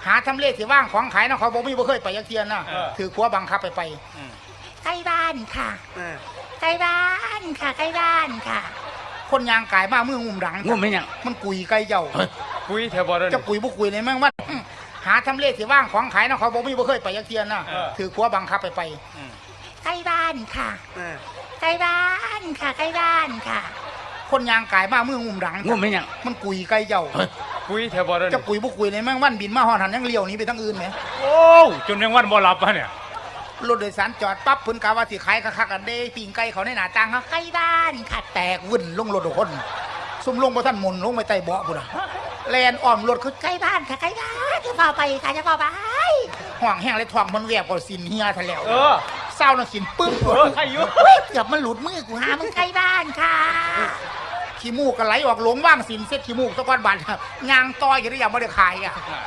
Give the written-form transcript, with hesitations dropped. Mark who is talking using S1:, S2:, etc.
S1: หาทำเลที่ว่างของขายนะเขาบอกไม่เคยไปยักเทียนนะถือขัวบังคับไปใกล้บ้านค่ะใกล้บ้านค่ะใกล้บ้านค่ะคนยางกายมาเมื่องุ่มหลัง
S2: งุ่มไม่ยัง
S1: มันกุยไกลเจ้า
S3: กุยเทบอล
S1: จะกุยบุกุยในแม่งว่าหาทำเลที่ว่างของขายนะเขาบอกไม่เคยไปยักเทียนนะถือขัวบังคับไปใกล้บ้านค่ะใกล้บ้านค่ะใกล้บ้านค่ะคนยางกายมาเมื่องุ่มหลัง
S2: งุ่มไม่ยัง
S1: มันกุยไกลเจ้า
S3: กุยเทบอล
S1: จะกุยบุกุยในแม่งวันบินมาหอหันยังเลี้ยวนี้ไปทั้งอื่นไหม
S3: โอ้จนยังวันบ่หลับปะเนี่ย
S1: รถโดยสารจอดปั๊บเพิ่นกะว่าสิขายคักๆกันเด้ปิ่งไก่เขาในหน้าต่างเขาใกล้บ้านค่ะแตกวุ่นลงรถทุกคนซุ่มลงบ่ทันหมุนลงไปใต้เบาะพุ่นน่ะแลนอ้อมรถคือใกล้บ้านค่ะใกล้บ้านจะพาไปค่ะจะพาไปห่วงแห้งเลยท้องมันแวบก็สินเฮียทะแล้วเศร้าน่ะสินปึ้ง
S3: ใครอยู่
S1: เกือบมันหลุดมือกูหามึงใกล้บ้านค่ะขี้มูกก็ไหลออกหลงว่างสินเซ็ตขี้มูกตะก้อนบาดยางต่อยอยู่ได้ยังบ่ได้ขายอ่ะ